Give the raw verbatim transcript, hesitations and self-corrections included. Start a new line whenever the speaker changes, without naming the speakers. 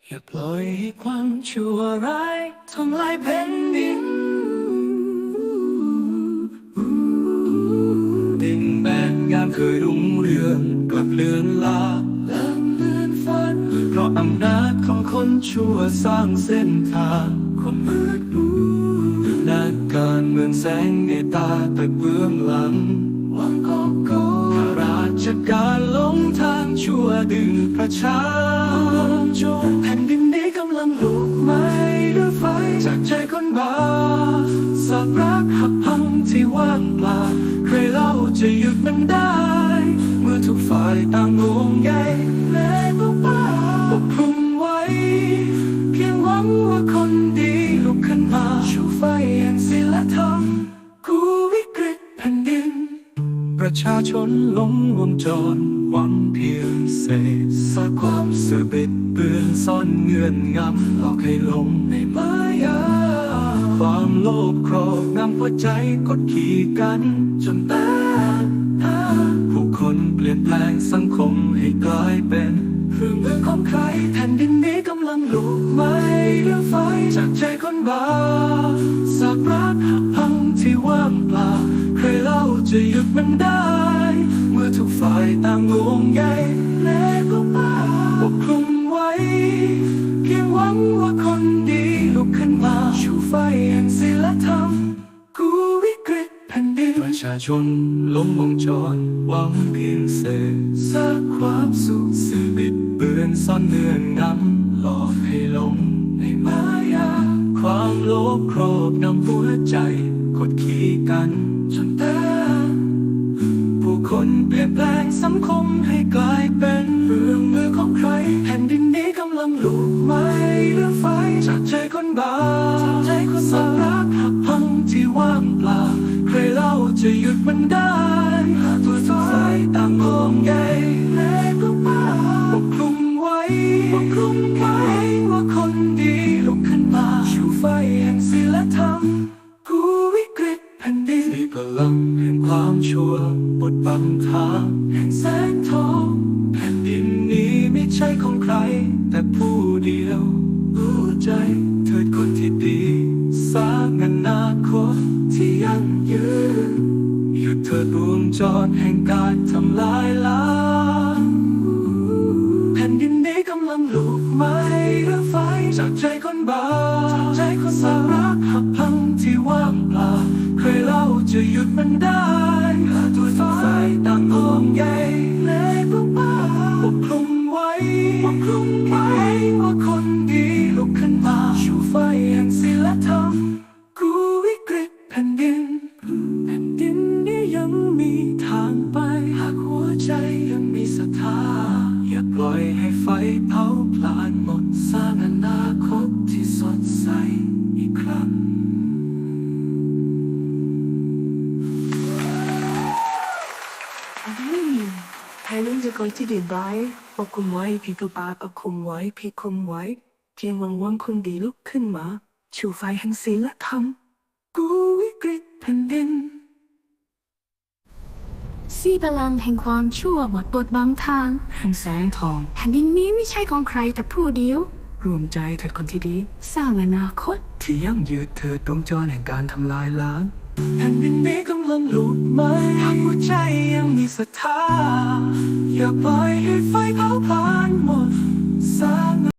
อย่าปล่อยให้ความชั่วร้ายทำลายแผ่นดินดินแดนงามเคยรุ่งเรืองกลับเลือนลาเริ่มเลือนฝันเพราะอำนาจของคนชั่วสร้างเส้นทางความมืดมูนักการเมืองแสงในตาแต่เบื้องหลังหวังกอบโกข้าราชการหลงทางชั่วดึงประชาชนแผ่นดินนี้กำลังลุกไหม้ด้วยไฟจากใจคนบาปสาบรักหักพังที่ว่างเปล่าใครเล่าจะหยุดมันได้เมื่อทุกฝ่ายต่างงงใยและปกป้าปกคลุมไว้เพียงหวังว่าคนดีลุกขึ้นมาชูไฟแห่งศีลธรรมกู้วิกฤตแผ่นดินประชาชนล้มวงจรหวังเพียงเศษซากความสื่อบิดเบือนซ่อนเงื่อนงำหลอกให้ลงในมายาความโลภครอบงำหัวใจกดขี่กันจนแตกผู้คนเปลี่ยนแปลงสังคมให้กลายเป็นเครื่องมือของใครแผ่นดินนี้กำลังลุกไหม้ด้วยไฟจากใจคนบาปสาบรักหักพังที่ว่างเปล่าใครเล่าจะหยุดมันได้เมื่อทุกฝ่ายต่างงงใยและก็ป้าปกคลุมไว้เพียงหวังว่าคนดีลุกขึ้นมาชูไฟแห่งศีลธรรมกู้วิกฤตแผ่นดินประชาชนล้มวงจรหวังเพียงเศษซากความสุขสื่อบิดเบือนซ่อนเงื่อนงำหลอกให้ลงในมายาความโลภครอบงำหัวใจกดขี่กันจนแตกผู้คนเปลี่ยนแปลงสังคมให้กลายเป็นเรื่องมือของใครแผ่นดินนี้กำลังลุกไหม้ด้วยไฟจากใจคนบาปใจคนสารักหักพังที่ว่างเปล่าใครเล่าจะหยุดมันได้ตัวสายต่างงงใยและก็ป้าปกคลุมไว้ปกคลุมไว้ว่าคนดีลุกขึ้นมาชูไฟแห่งศีลธรรมกู้วิกฤตแผ่นดินมีพลังแห่งความชั่วบดบังทางแห่งแสงทองแผ่นดินนี้ไม่ใช่ของใครแต่ผู้เดียวรู้ใจเถิดคนที่ดีสร้างอนาคตที่ยั่งยืนหยุดเถิดวงจรแห่งการทำลายล้างแผ่นดินนี้กำลังลุกไหม้ด้วยไฟจากใจคนบาปจากใจคนสารักหักพังที่ว่างเปล่าใครเล่าจะหยุดมันได้ตัวฝ่ายต่างงงใยและปกป้าปกคลุมไว้ปกคลุมไว้ว่าคนดีลุกขึ้นมาชูไฟแห่งศีลธรรมกู้วิกฤตแผ่นดินแผ่นดินนี้ยังมีทางไปหากหัวใจยังมีศรัทธาอย่าปล่อยให้ไฟเผาพลานหมดสร้างอนาคตที่สดใสอีกครั้ง
ให้ลุงจะก่อนที่ดีร้ายปกคุมไว้ผิดตัวปาปกคุมไว้ผิดคุมไว้เพียงหวังวังคนดีลุกขึ้นมาชูไฟแห่งศีลธรรมกู้วิกฤตแผ่นดิน
สีพลังแห่งความชั่วหมดบทบังทาง
แห่งแสงทอง
แผ่นดินนี้ไม่ใช่ของใครแต่ผู้เดียว
รวมใจเถิดคนที่ดี
สร้างอนาคต
ที่ยั่งยืนเถิดวงจรแห่งการทำลายล้าง
แผ่นดินนี้กำลังลุกไหม้หากหัวใจยังมีศรัทธาอย่าปล่อยให้ไฟเผาผลาญหมดสร้าง